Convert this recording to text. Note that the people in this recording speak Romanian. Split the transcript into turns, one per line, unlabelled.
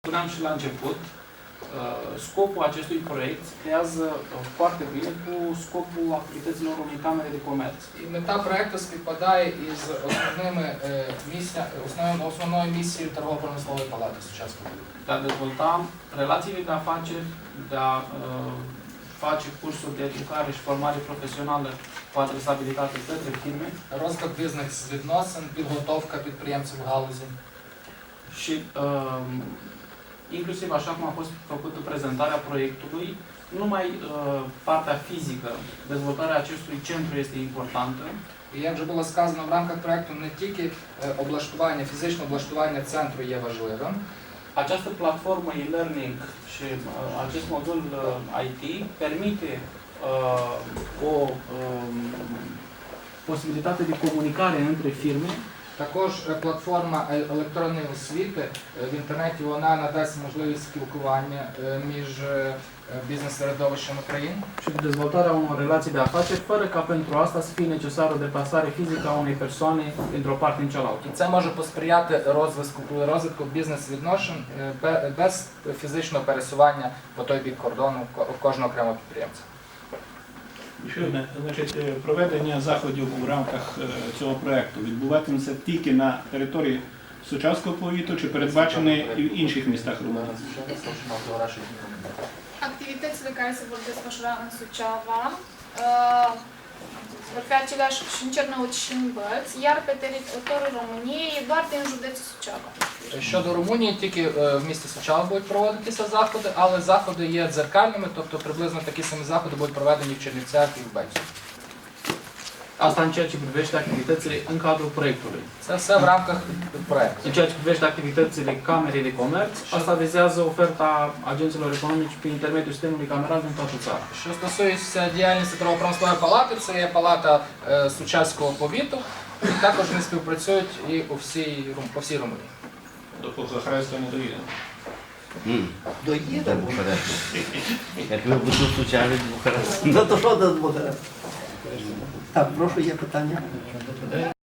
Spuneam și la început, scopul acestui proiect se creează foarte bine cu scopul activităților unei camere de comerț.
І мета проекту співпадає із основною місією торгово-промислової палати сучасного.
De a dezvolta relațiile de afaceri, de a face cursuri de educare și formare profesională cu adresabilitate către firme.
Розвиток бізнес-відносин, підготовка підприємців в галузі.
Și inclusiv așa cum a fost făcută prezentarea proiectului, nu numai partea fizică, dezvoltarea acestui centru este importantă.
І як вже було сказано, в рамках проекту не тільки облаштування, фізичне облаштування центру є важливим.
Această platformă e-learning și acest modul IT permite o posibilitate de comunicare între firme.
Також платформа електронної освіти в інтернеті вона надасть можливість спілкування між бізнес-середовищем країн.
Și dezvoltarea unor relații de afaceri, fără ca pentru asta să fie necesară o deplasare fizică a unei persoane dintr-o parte în cealaltă.
І це може посприяти розвитку бізнес-відношень без фізичного пересування по той бік кордону кожного окремого підприємця.
Ще одне, значить, проведення заходів у рамках цього проєкту відбуватиметься тільки на території Сучавського повіту чи передбачений і в інших містах Румунії?
Activitățile care se vor desfășura în Suceava vor fi aceleași și în Cernăuți și în Bălți, iar pe teritoriul României doar din județul Suceava.
Щодо Румунії, тільки в місті Сучава будуть проводитися заходи, але заходи є дзеркальними, тобто приблизно такі самі заходи будуть проведені в Чернівцях і в Бельцю.
Asta în ceea ce privește activitățile în cadrul proiectului.
Це все в рамках проекту.
În ceea ce privește activitățile Camerei de Comerț, asta vizează oferta agenților economici prin intermediul sistemului cameral din toată țara.
Що стосується діяльності торгово-промислової палати, це є палата Сучавського повіту, і також вони співпрацюють і по всій Румунії.
До Бухареста не доїдемо.
Доїде Бухарест. Як ви будете в Сучаві з Бухареста. Ну то що до Бухареста? Так, прошу, є питання.